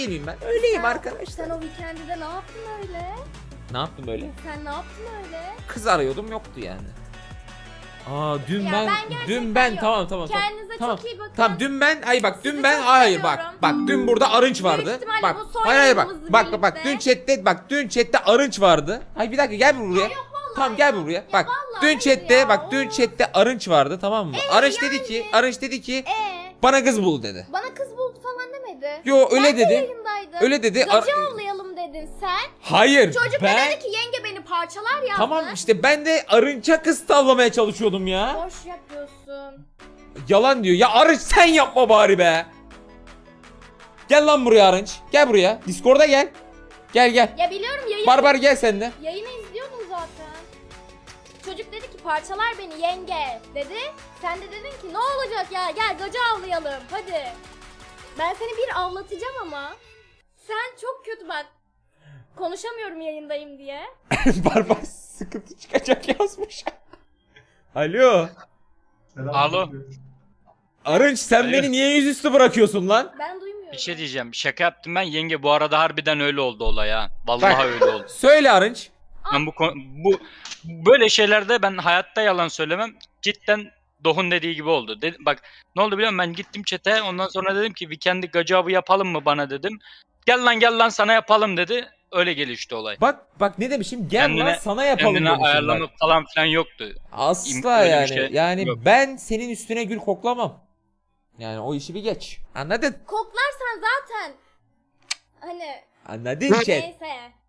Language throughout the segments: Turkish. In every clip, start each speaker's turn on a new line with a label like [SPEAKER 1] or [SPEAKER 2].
[SPEAKER 1] miyim ben? Öyleyim arkadaşlar.
[SPEAKER 2] Sen o weekend'de ne yaptın öyle?
[SPEAKER 1] Ne yaptım böyle?
[SPEAKER 2] Sen ne yaptın öyle?
[SPEAKER 1] Kız arıyordum, yoktu yani. Aa dün
[SPEAKER 2] Ya
[SPEAKER 1] ben
[SPEAKER 2] gerçekten
[SPEAKER 1] ben
[SPEAKER 2] yok.
[SPEAKER 1] tamam.
[SPEAKER 2] Kendinize
[SPEAKER 1] Tamam.
[SPEAKER 2] çok iyi bakın.
[SPEAKER 1] Tamam dün ben dün
[SPEAKER 2] Sizi
[SPEAKER 1] ben
[SPEAKER 2] çok
[SPEAKER 1] hayır bak.
[SPEAKER 2] seviyorum.
[SPEAKER 1] Bak dün burada arınç vardı.
[SPEAKER 2] ihtimalle
[SPEAKER 1] Bak.
[SPEAKER 2] bu son
[SPEAKER 1] Hayır bak.
[SPEAKER 2] yayınımızla
[SPEAKER 1] Bak
[SPEAKER 2] birlikte.
[SPEAKER 1] dün chatte arınç vardı. Hayır bir dakika gel buraya. Tamam gel buraya. Bak
[SPEAKER 2] vallahi
[SPEAKER 1] dün
[SPEAKER 2] hayır
[SPEAKER 1] chatte
[SPEAKER 2] ya,
[SPEAKER 1] dün
[SPEAKER 2] of.
[SPEAKER 1] chatte arınç vardı, tamam mı? Arınç dedi ki bana kız bul dedi.
[SPEAKER 2] Bana kız buldu falan demedi.
[SPEAKER 1] Yo öyle
[SPEAKER 2] Ben de
[SPEAKER 1] dedi.
[SPEAKER 2] yayındaydım.
[SPEAKER 1] Öyle dedi.
[SPEAKER 2] Gacı avlayalım dedin sen.
[SPEAKER 1] Hayır.
[SPEAKER 2] Çocuk
[SPEAKER 1] ben...
[SPEAKER 2] da dedi ki yenge beni parçalar yazdı.
[SPEAKER 1] Tamam işte ben de arınça kız tavlamaya çalışıyordum ya.
[SPEAKER 2] Boş yapıyorsun.
[SPEAKER 1] Yalan diyor. Ya Arınç sen yapma bari be. Gel lan buraya Arınç. Gel buraya. Discord'a gel. Gel.
[SPEAKER 2] Ya biliyorum
[SPEAKER 1] Barbar gel sen de.
[SPEAKER 2] yayını izliyordum zaten. Çocuk dedi ki parçalar beni yenge dedi. Sen de dedin ki ne olacak ya gel gacı avlayalım hadi. Ben seni bir avlatacağım ama. Sen çok kötü bak. Konuşamıyorum yayındayım diye.
[SPEAKER 1] Barbar sıkıntı çıkacak yazmış. Alo.
[SPEAKER 3] Alo.
[SPEAKER 1] Arınç sen
[SPEAKER 3] Alo.
[SPEAKER 1] beni niye yüzüstü bırakıyorsun lan?
[SPEAKER 2] Ben duymuyorum.
[SPEAKER 3] Bir şey diyeceğim. Şaka yaptım ben. Yenge bu arada harbiden öyle oldu olay ha. Vallahi
[SPEAKER 1] Bak.
[SPEAKER 3] öyle oldu.
[SPEAKER 1] Söyle Arınç.
[SPEAKER 3] Ben bu böyle şeylerde ben hayatta yalan söylemem. Cidden Doh'un dediği gibi oldu. Bak ne oldu biliyor musun? Ben gittim chat'e. Ondan sonra dedim ki weekend'i gacabı yapalım mı bana dedim. Gel lan sana yapalım dedi. Öyle gelişti olay.
[SPEAKER 1] Bak ne demişim? Gel lan sana yapalım
[SPEAKER 3] Kendine
[SPEAKER 1] demişim
[SPEAKER 3] ayarlama
[SPEAKER 1] bak.
[SPEAKER 3] falan filan yoktu.
[SPEAKER 1] Asla
[SPEAKER 3] Öyle bir
[SPEAKER 1] yani.
[SPEAKER 3] şey
[SPEAKER 1] Yani
[SPEAKER 3] yok.
[SPEAKER 1] ben senin üstüne gül koklamam. Yani o işi bir geç. Anladın?
[SPEAKER 2] Koklarsan zaten hani
[SPEAKER 1] Anladın chat.
[SPEAKER 2] neyse.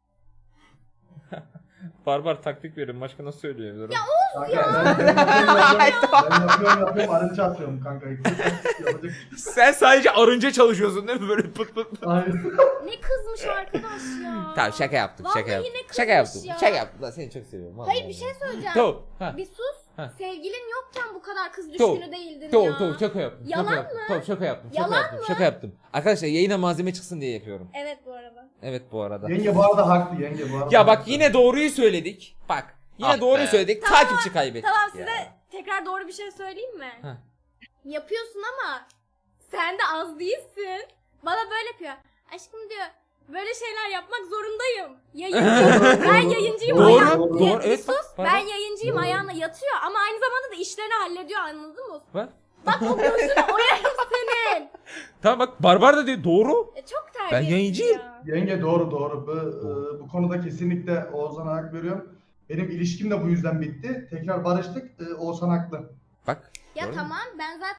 [SPEAKER 1] Barbar taktik verin. Başka nasıl söylüyorum? Ya
[SPEAKER 4] Ben yapıyorum arınç atıyorum kanka. Yapacak.
[SPEAKER 1] sen sadece arınca çalışıyorsun değil mi? Böyle pıt pıt.
[SPEAKER 4] Hayır.
[SPEAKER 2] Ne kızmış arkadaş ya.
[SPEAKER 1] Tamam şaka yaptım.
[SPEAKER 2] Vallahi
[SPEAKER 1] Şaka yaptım.
[SPEAKER 2] ne kızmış
[SPEAKER 1] Şaka yaptım.
[SPEAKER 2] ya.
[SPEAKER 1] Şaka yaptım. Lan seni çok seviyorum. Vallahi.
[SPEAKER 2] Hayır bir şey söyleyeceğim.
[SPEAKER 1] Tamam. Ha.
[SPEAKER 2] Bir sus.
[SPEAKER 1] Ha.
[SPEAKER 2] Sevgilin yokken bu kadar kız
[SPEAKER 1] Tamam.
[SPEAKER 2] düşkünü değildin
[SPEAKER 1] Tamam
[SPEAKER 2] ya.
[SPEAKER 1] tamam şaka yaptım.
[SPEAKER 2] Yalan
[SPEAKER 1] şaka yaptım.
[SPEAKER 2] mı?
[SPEAKER 1] Tamam şaka yaptım.
[SPEAKER 2] Yalan
[SPEAKER 1] Şaka yaptım.
[SPEAKER 2] mı?
[SPEAKER 1] Şaka yaptım. Arkadaşlar yayına malzeme çıksın diye yapıyorum.
[SPEAKER 2] Evet bu arada.
[SPEAKER 1] Evet bu arada.
[SPEAKER 4] Yenge bu arada haklı yenge bu arada.
[SPEAKER 1] Ya bak
[SPEAKER 4] haklı.
[SPEAKER 1] yine doğruyu söyledik. Bak. Yine
[SPEAKER 3] Ah
[SPEAKER 1] doğruyu
[SPEAKER 3] be.
[SPEAKER 1] söyledik.
[SPEAKER 2] Tamam,
[SPEAKER 1] Takipçi kaybettik.
[SPEAKER 2] Tamam
[SPEAKER 1] ya.
[SPEAKER 2] size tekrar doğru bir şey söyleyeyim mi?
[SPEAKER 1] Heh.
[SPEAKER 2] Yapıyorsun ama sen de az değilsin. Bana böyle yapıyor. Aşkım diyor böyle şeyler yapmak zorundayım. Yayıncıyım. Ben yayıncıyım.
[SPEAKER 1] Doğru,
[SPEAKER 2] ayağım-
[SPEAKER 1] doğru.
[SPEAKER 2] Ya,
[SPEAKER 1] Evet,
[SPEAKER 2] sus.
[SPEAKER 1] bak,
[SPEAKER 2] Ben
[SPEAKER 1] pardon.
[SPEAKER 2] yayıncıyım
[SPEAKER 4] Doğru.
[SPEAKER 2] ayağına yatıyor ama aynı zamanda da işlerini hallediyor anladın mı?
[SPEAKER 1] Bak.
[SPEAKER 2] Bak o gözünü oyarım senin.
[SPEAKER 1] Tamam bak Barbar da diyor doğru.
[SPEAKER 2] Çok terbiyesiz
[SPEAKER 1] yayıncıyım.
[SPEAKER 2] ya.
[SPEAKER 4] Yenge doğru. Bu konuda kesinlikle Oğuzhan'a hak veriyorum. Benim ilişkim de bu yüzden bitti. Tekrar barıştık. Oğuzhan haklı.
[SPEAKER 1] Bak.
[SPEAKER 2] Ya
[SPEAKER 1] Doğru.
[SPEAKER 2] tamam ben zaten